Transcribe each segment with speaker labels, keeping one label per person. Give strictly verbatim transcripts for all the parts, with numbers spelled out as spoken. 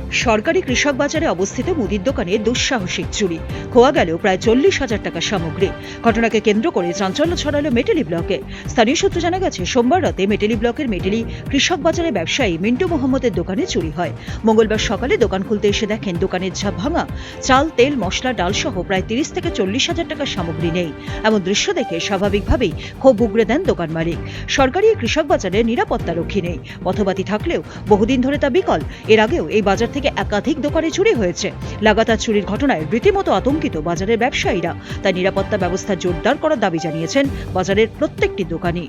Speaker 1: সরকারি কৃষক বাজারে অবস্থিত মুদির দোকানে দুঃসাহসিক চুরি, খোয়া গেল প্রায় চল্লিশ হাজার টাকার সামগ্রী। ঘটনাকে কেন্দ্র করে চাঞ্চল্য ছড়ালো মেটেলি ব্লকে। স্থানীয় সূত্রে জানা গেছে, সোমবার রাতে মেটেলি ব্লকের মেটেলি কৃষক বাজারে ব্যবসায়ী মিন্টু মোহাম্মদের দোকানে চুরি হয়। মঙ্গলবার সকালে দোকান খুলতে এসে দেখেন দোকানের ঝাপ ভাঙা, চাল, তেল, মশলা, ডাল সহ প্রায় তিরিশ থেকে চল্লিশ হাজার টাকার সামগ্রী নেই। এমন দৃশ্য দেখে স্বাভাবিকভাবেই ক্ষোভ উগরে দেন দোকান মালিক। সরকারি কৃষক বাজারে নিরাপত্তা রক্ষী নেই, পথবাতি থাকলেও বহুদিন ধরে তা বিকল। এর আগেও এই বাজার থেকে একাধিক দোকানে চুরি হয়েছে। লাগাতার চুরির ঘটনায় রীতিমতো আতঙ্কিত বাজারের ব্যবসায়ীরা। তাই নিরাপত্তা ব্যবস্থা জোরদার করার দাবি জানিয়েছেন বাজারের প্রত্যেকটি দোকানি।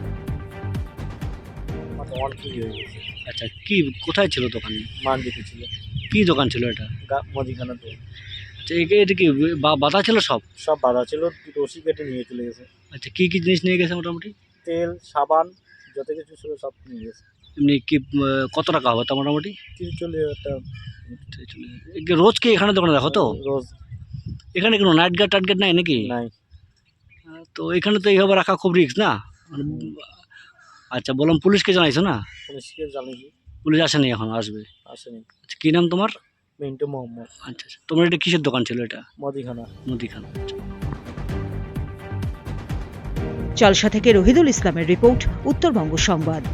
Speaker 2: আচ্ছা, কি কোথায় ছিল দোকান?
Speaker 3: মান্ডিতে ছিল।
Speaker 2: কি দোকান ছিল এটা?
Speaker 3: গা- মুদিখানা তো
Speaker 2: আচ্ছা, এ- এটা কি বা- বাধা ছিল সব?
Speaker 3: সব বাধা ছিল, রশি কেটে নিয়ে চলে গেছে।
Speaker 2: আচ্ছা, কি কি জিনিস নিয়ে গেছে মোটামুটি?
Speaker 3: তেল, সাবান, যত কিছু ছিল সব নিয়ে গেছে।
Speaker 2: এমনি কি আহ, কত টাকা হবে তা মোটামুটি?
Speaker 3: তিরিশ চল্লিশ হাজার টাকা
Speaker 2: এ কি রোজ কি এখানে দোকানে দেখো তো?
Speaker 3: রোজ
Speaker 2: এখানে কোনো নাইট গার্ড টাইট গার্ড নাই নাকি?
Speaker 3: নাই।
Speaker 2: আহ, তো এখানে তো এইভাবে রাখা খুব রিস্ক না? মানে, আচ্ছা, বললাম পুলিশকে জানাইছো না?
Speaker 3: পুলিশকে জানিয়েছি,
Speaker 2: পুলিশ আসেনি, এখন আসবে।
Speaker 3: আসেনি।
Speaker 2: আচ্ছা, কি নাম তোমার?
Speaker 3: মিন্টু মোহাম্মদ।
Speaker 2: আচ্ছা আচ্ছা, তোমার এটা কিসের দোকান ছিল এটা?
Speaker 3: মুদিখানা।
Speaker 2: মুদিখানা।
Speaker 1: চালসা থেকে রহিদুল ইসলামের রিপোর্ট, উত্তরবঙ্গ সংবাদ।